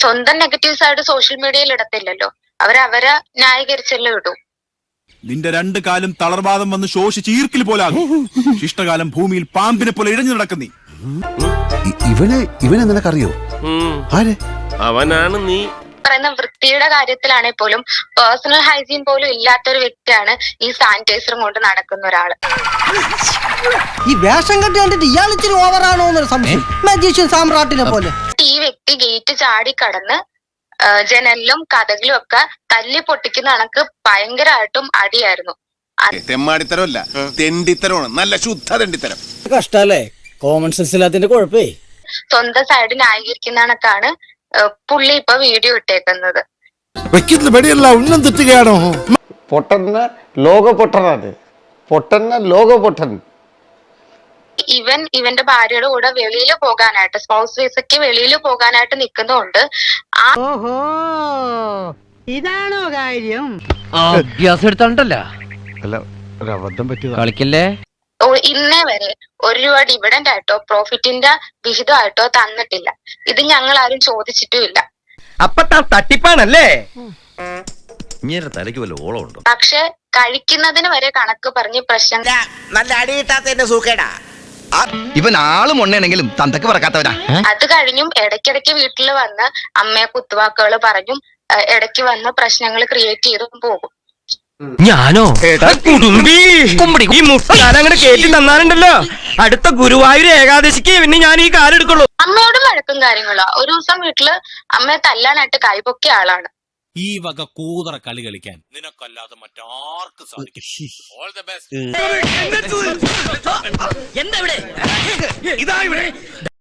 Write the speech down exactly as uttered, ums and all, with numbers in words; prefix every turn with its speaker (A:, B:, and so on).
A: സ്വന്തം negative side social മീഡിയയിൽ ഇടത്തില്ലല്ലോ, അവരവരെ ന്യായീകരിച്ചല്ലേ ഇടൂ.
B: നിന്റെ രണ്ട് കാലും തളർവാദം വന്ന് ശോഷിച്ച് ഈർക്കിൽ പോലാകും. ശിഷ്ടകാലം ഭൂമിയിൽ പാമ്പിനെ പോലെ ഇഴഞ്ഞു നടക്കുന്നീ.
C: ഇവനെ ഇവനെ നിനക്കറിയോ? ആരെ?
D: അവനാണ് നീ
A: പറയുന്ന വൃത്തിയുടെ കാര്യത്തിലാണെങ്കിൽ പോലും പേഴ്സണൽ ഹൈജീൻ പോലും ഇല്ലാത്തൊരു വ്യക്തിയാണ് ഈ സാനിറ്റൈസറും കൊണ്ട് നടക്കുന്ന ഒരാള്.
E: ഈ വേഷം കെട്ടി കണ്ടിട്ട് ഇയാൾ ഇച്ചിരി ഓവറാണോ എന്നൊരു സംശയം. മജീഷ്യൻ സാമ്രാട്ടിനെ പോലെ
A: ഈ വ്യക്തി ഗേറ്റ് ചാടി കടന്ന് ജനലിലും കഥകളും ഒക്കെ തല്ലി പൊട്ടിക്കുന്ന കണക്ക് ഭയങ്കരമായിട്ടും അടിയായിരുന്നു.
F: തെമ്മാടിത്തരമല്ല, തെണ്ടിത്തരമാണ്, നല്ല ശുദ്ധ തെണ്ടിത്തരം.
E: കഷ്ടല്ലേ, കോമൺ സെൻസ് ഇല്ലാത്തതിന്റെ കുഴപ്പേ.
A: സ്വന്തം സൈഡ് ന്യായീകരിക്കുന്ന കണക്കാണ് പുള്ളി ഇപ്പൊ വീഡിയോ ഇട്ടേക്കുന്നത്.
C: ഉന്നം തെറ്റുകയാണോ?
G: പൊട്ടന്ന ലോക പൊട്ടനാണ്, പൊട്ടന്ന ലോക പൊട്ടൻ.
A: ഇവൻ ഇവന്റെ ഭാര്യയുടെ കൂടെ വെളിയിൽ പോകാനായിട്ട് സ്പൗസ് വിസയ്ക്ക് വെളിയിൽ പോകാനായിട്ട് നിൽക്കുന്നതുകൊണ്ട് ആ
E: ഇതാണോ കാര്യം?
H: അഭ്യാസം എടുത്തോണ്ടല്ല കളിക്കല്ലേ.
A: ഇന്നേ വരെ ഒരു രൂപ ഡിവിഡന്റ് ആയിട്ടോ പ്രോഫിറ്റിന്റെ വിഹിതമായിട്ടോ തന്നിട്ടില്ല. ഇത് ഞങ്ങൾ ആരും ചോദിച്ചിട്ടുമില്ല.
H: അപ്പൊ തട്ടിപ്പാണല്ലേ. തലയ്ക്ക് വല്ല ഓളമുണ്ടോ?
A: പക്ഷെ കഴിക്കുന്നതിന് വരെ കണക്ക് പറഞ്ഞ് പ്രശ്നം.
H: നല്ല അടി കിട്ടാത്തതിന്റെ സൂക്കേടാ. ഇവൻ ആളും ഉണ്ണയാണെങ്കിലും തന്തക്ക് പറക്കാത്തവനാ.
A: അത് കഴിഞ്ഞും ഇടയ്ക്കിടയ്ക്ക് വീട്ടിൽ വന്ന് അമ്മയെ കുത്തുവാക്കുകൾ പറഞ്ഞും ഇടയ്ക്ക് വന്ന് പ്രശ്നങ്ങൾ ക്രിയേറ്റ് ചെയ്തും പോകും.
H: ഞാനോ കുടുംബി ഈ മുട്ടാൻ അങ്ങനെ കേട്ടി തന്നാലുണ്ടല്ലോ, അടുത്ത ഗുരുവായൂർ ഏകാദശിക്ക് പിന്നെ ഞാൻ ഈ കാലെടുക്കുള്ളൂ.
A: അമ്മയോടും വഴക്കും കാര്യങ്ങളോ. ഒരു ദിവസം വീട്ടില് അമ്മയെ തല്ലാനായിട്ട് കൈപൊക്കിയ ആളാണ്.
B: ഈ വക കൂതറ കളി കളിക്കാൻ നിനക്കല്ലാതെ മറ്റാർക്കും സാധിക്കും. All the best.
H: എന്താ ഇവിടെ?